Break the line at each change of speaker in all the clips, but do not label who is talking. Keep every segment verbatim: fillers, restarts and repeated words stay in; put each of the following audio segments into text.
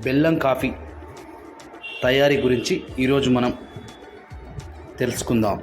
బెల్లం కాఫీ తయారీ గురించి ఈరోజు మనం తెలుసుకుందాం.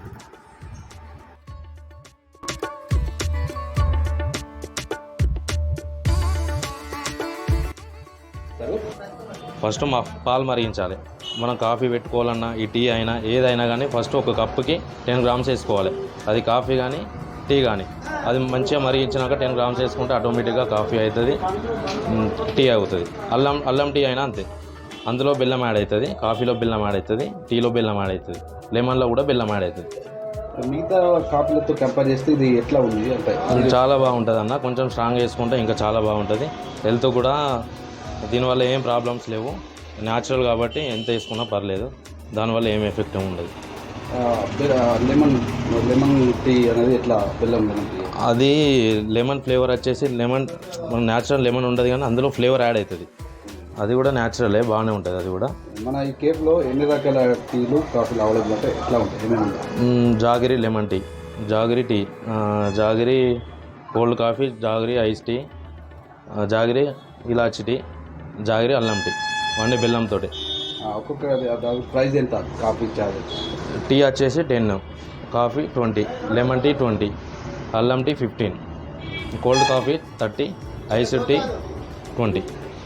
ఫస్ట్ మా పాలు మరిగించాలి. మనం కాఫీ పెట్టుకోవాలన్నా ఈ టీ అయినా ఏదైనా కానీ ఫస్ట్ ఒక కప్పుకి టెన్ గ్రామ్స్ వేసుకోవాలి. అది కాఫీ కానీ టీ కానీ అది మంచిగా మరిగించినాక టెన్ గ్రామ్స్ వేసుకుంటే ఆటోమేటిక్గా కాఫీ అవుతుంది, టీ అవుతుంది. అల్లం అల్లం టీ అయినా అంతే. అందులో బెల్లం యాడ్ అవుతుంది, కాఫీలో బెల్లం యాడ్ అవుతుంది, టీలో బెల్లం యాడ్ అవుతుంది, లెమన్లో కూడా బెల్లం యాడ్ అవుతుంది.
మిగతా కాఫీలతో కంపేర్ చేస్తే ఇది ఎట్లా ఉంది అంటే
చాలా బాగుంటుంది అన్న. కొంచెం స్ట్రాంగ్ వేసుకుంటే ఇంకా చాలా బాగుంటుంది. హెల్త్ కూడా దీనివల్ల ఏం ప్రాబ్లమ్స్ లేవు. న్యాచురల్ కాబట్టి ఎంత వేసుకున్నా పర్లేదు, దానివల్ల ఏం ఎఫెక్ట్ ఉండదు.
లెమన్ లెమన్ టీ అనేది ఎట్లా బెల్లం లెమన్ టీ
అది లెమన్ ఫ్లేవర్ వచ్చేసి లెమన్ మన న్యాచురల్ లెమన్ ఉండదు కానీ అందులో ఫ్లేవర్ యాడ్ అవుతుంది. అది కూడా న్యాచురలే, బాగానే ఉంటుంది. అది కూడా
మన ఈ కేఫ్లో ఎన్ని రకాల టీలు కాఫీలు అవైలబుల్ అంటే ఎట్లా ఉంటాయి, ఏమేమి ఉంటాయి?
Jaggery lemon tea, Jaggery tea, Jaggery cold coffee, Jaggery ice tea, Jaggery ఇలాచి టీ, జాగిరి అల్లం టీ, అన్నీ బెల్లంతో.
ఒక్కొక్క ప్రైస్ ఎంత? కాఫీ చార్జ్
టీ వచ్చేసి ten, coffee twenty, lemon tea twenty, అల్లం tea fifteen, cold coffee thirty, ice tea twenty.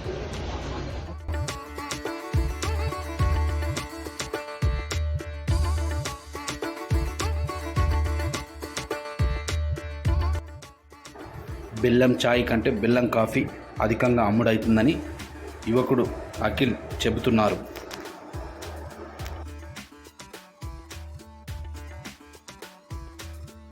బెల్లం ఛాయ్ కంటే బెల్లం కాఫీ అధికంగా అమ్ముడవుతుందని యువకుడు అఖిల్ చెబుతున్నారు.